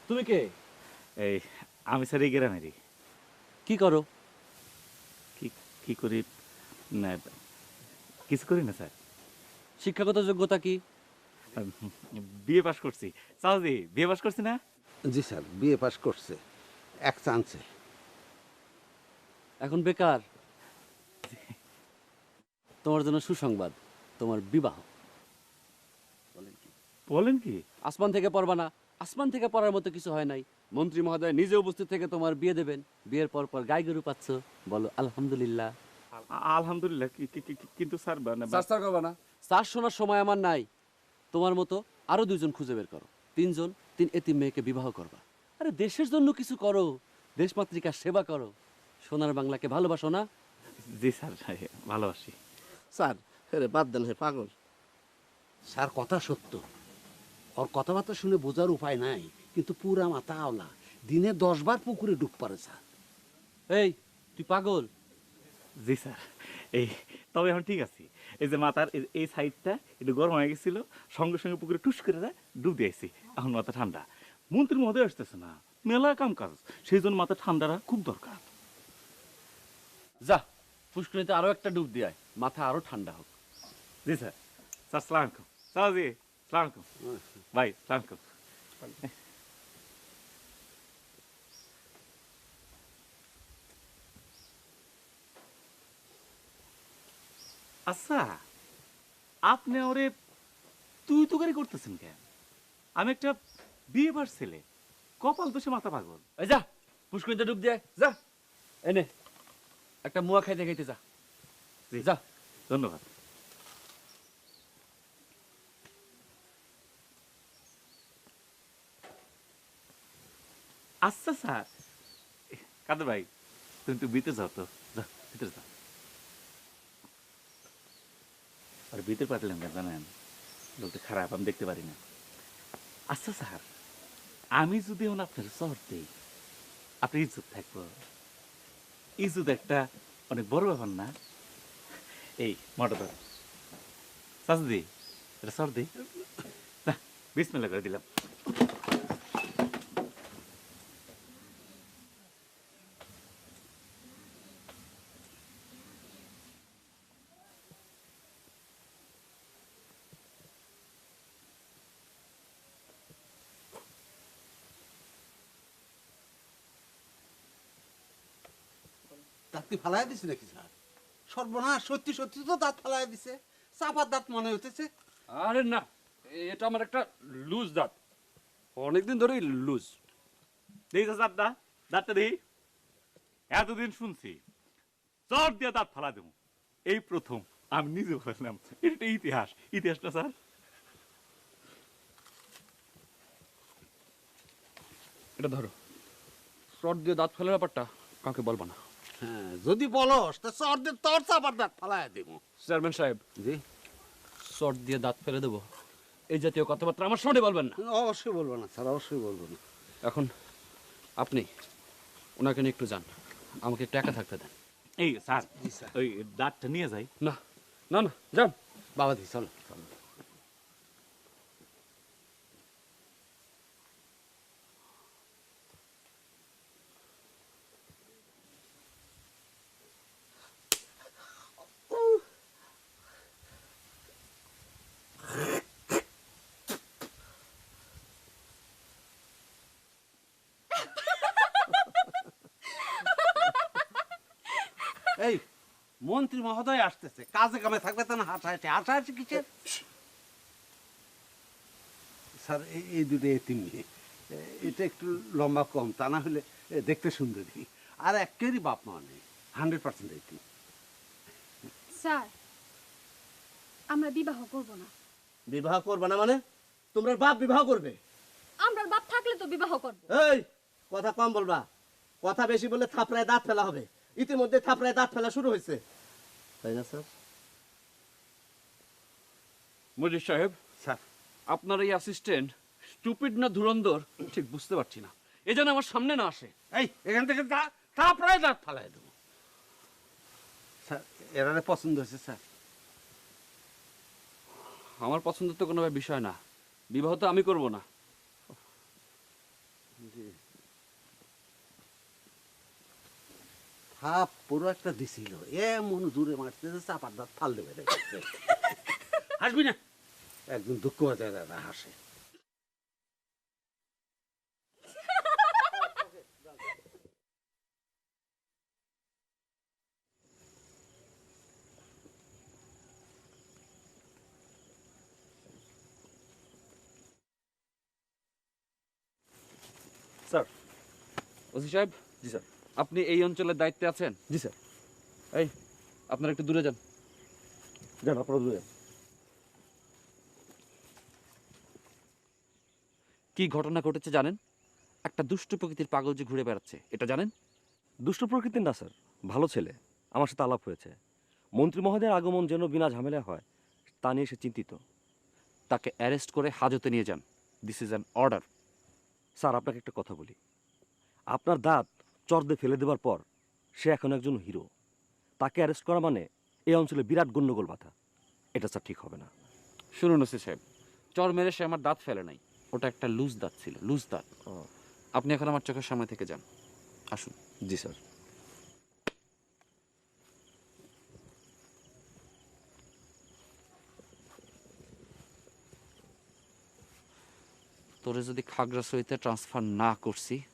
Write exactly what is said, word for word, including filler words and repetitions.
তুমি কে? এই আমি স্যার এই গ্রামেরই। কি করো? কি কি করি না, কিছু করি না স্যার। শিক্ষাগত যোগ্যতা কি? বিএ পাস করছি। চাওজি বিএ পাস করছি না? জি স্যার, বিএ পাস করছে এক চান্সে। এখন বেকার। তোমার জন্য সুসংবাদ, তোমার বিবাহ। বলেন কি? আসমান থেকে পড়বা না, আসমান থেকে পড়ার মতো কিছু হয় নাই। মন্ত্রী মহোদয় নিজে উপস্থিত থেকে তোমার বিয়ে দেবেন। বিয়ের পর পর গাই গরু পাচ্ছ, বলো আলহামদুলিল্লাহ। আ- আলহামদুলিল্লাহ। কি- কি- কি- কিন্তু স্যার মানে চার করবা না, চার শোনার সময় আমার নাই। তোমার মতো আরো দুইজন খুঁজে বের করো, তিনজন, তিন এতিম মেয়েকে বিবাহ করবা। আরে দেশের জন্য কিছু করো, দেশমাতৃকার সেবা করো। সোনার বাংলাকে ভালোবাসো না? জি স্যার, ভালোবাসি। স্যার হেরে বাদ দেন, হে পাগল। স্যার কথা সত্য, ওর কথাবার্তা শুনে বোঝার উপায় নাই, কিন্তু পুরা মাথা আওলা। দিনে দশ বার পুকুরে ডুব পারে স্যার। এই তুই পাগল? জি স্যার। এই তবে এখন ঠিক আছে। এই যে মাথার এই- এই সাইডটা একটু গরম হয়ে গেছিল, সঙ্গে সঙ্গে পুকুরে টুস করে দেয়, ডুব দিয়েছি। এখন মাথা ঠান্ডা। মন্ত্রী মহোদয় আসতেছে না, মেলা কাম কাজ, সেই জন্য মাথা ঠান্ডাটা খুব দরকার। যা পুষ্করিণীতে আরো একটা ডুব দিয়ে আয়, মাথা আরো ঠান্ডা হোক। জি স্যার। স্যার সালাম আলাইকুম। স্যার জি সালাম আলাইকুম। ভাই সালাম আলাইকুম। আচ্ছা, আপনি ওরে তুই তো করে করতেছেন কেন? আমি একটা বিয়ে বার ছেলে, কপাল দোষে মাথা পাগল। এই যা পুষ্করিণীতে ডুব দিয়ে আয়, যা। এনে একটা মুয়া খাইতে খাইতে যা। জি, যা। ধন্যবাদ। আচ্ছা স্যার, কাদের ভাই তুমি তো ভিতরে যাও, তো যাও ভিতরে যাও। আর ভিতরে পাঠালেন কেন জানেন? লোকটা খারাপ, আমি দেখতে পারি না। আচ্ছা স্যার, আমি যদি এখন আপনার শহর দিই, আপনার ইজ্জত থাকবো। ইজ্জত একটা অনেক বড় ব্যাপার না? এই মোটর ধর চাচি, এটা সর দিই না, বিসমিল্লাহ করে দিলাম। দাঁত কি ফালাই দিছে নাকি স্যার? সর্বনাশ, সত্যি সত্যি তো দাঁত ফালাই দিছে। চাপার দাঁত মনে হইতেছে। আরে না, এটা আমার একটা লুজ দাঁত, অনেকদিন ধরেই লুজ। দেখি চাচা দাঁতটা, দাঁতটা দেখি। এতদিন শুনছি চট দিয়ে দাঁত ফালা দেবো, এই প্রথম আমি নিজে বললাম। এটা ইতিহাস, ইতিহাসটা স্যার। এটা ধরো, শর্ট দিয়ে দাঁত ফেলার ব্যাপারটা কাউকে বলবো না। হ্যাঁ, যদি বলস তা চর দিয়ে তোর চাপার দাঁত ফালাই দেব। চেয়ারম্যান সাহেব, জি, শর্ট দিয়ে দাঁত ফেলে দেবো, এই জাতীয় কথাবার্তা আমার সামনে বলবেন না। অবশ্যই বলবো না স্যার, অবশ্যই বলবো না। এখন আপনি ওনাকে নিয়ে একটু যান, আমাকে একটু একা থাকতে দেন। এই স্যার, জি স্যার। ওই দাঁতটা নিয়ে যাই। না না না, যান। বাবাজি চলো চলো। এই মন্ত্রী মহোদয় আসতেছে, কাজে কামে থাকবে তা না হাঁটাহাঁটি হাঁটাহাঁটি কিসের? স্যার এই- এই দুটো এতিম মেয়ে, এ- এটা একটু লম্বা কম, তা না হলে এ, দেখতে সুন্দরী। আর একেরই বাপ মা নেই, হান্ড্রেড পার্সেন্ট এতিম। স্যার, আমরা বিবাহ করব না। বিবাহ করবে না মানে? তোমরা বাপ বিবাহ করবে? আমরা বাপ থাকলে তো বিবাহ করব। এই কথা কম বলবা, কথা বেশি বললে থাপড়ায় দাঁত ফেলা হবে। ইতিমধ্যে থাপড়ায় দাঁত ফেলা শুরু হয়েছে, তাই না স্যার? মজিদ সাহেব, স্যার আপনার এই অ্যাসিস্ট্যান্ট স্টুপিড না ধুরন্ধর ঠিক বুঝতে পারছি না, এ যেন আমার সামনে না আসে। এই এখান থেকে দা- তারপরে দাঁত ফালাই দেবো। স্যার এরারে পছন্দ হয়েছে স্যার। আমার পছন্দের তো কোনো বিষয় না, বিবাহ তো আমি করব না। থাপ পুরো একটা দিছিল এমন জোরে মারতে যে চাপার দাঁত ফাল দেবে রে। হাসবি না, একদম দুঃখ হয়ে দাদা হাসে। স্যার। ওসি সাহেব, জি স্যার। আপনি এই অঞ্চলের দায়িত্বে আছেন? জি স্যার। এই, আপনারা একটু দূরে যান। যান আপনারা দূরে। কি ঘটনা ঘটেছে জানেন? একটা দুষ্ট প্রকৃতির পাগল যে ঘুরে বেড়াচ্ছে, এটা জানেন? দুষ্ট প্রকৃতির না স্যার, ভালো ছেলে। আমার সাথে আলাপ হয়েছে। মন্ত্রী মহোদয়ের আগমন যেন বিনা ঝামেলা হয় তা নিয়ে সে চিন্তিত। তাকে অ্যারেস্ট করে হাজতে নিয়ে যান। This is an order. Sir আপনাকে একটা কথা বলি, আপনার দাঁত চর দিয়ে ফেলে দেওয়ার পর সে এখন একজন হিরো। তাকে অ্যারেস্ট করা মানে এই অঞ্চলে বিরাট গণ্ডগোল বাধা। এটা স্যার ঠিক হবে না। শুনুন ওসি সাহেব, চর মেরে সে আমার দাঁত ফেলে নাই, ওটা একটা লুজ দাঁত ছিল, লুজ দাঁত। আপনি এখন আমার চোখের সামনে থেকে যান, আসুন। জি স্যার। তোরে যদি খাগড়াছড়িতে ট্রান্সফার না করছি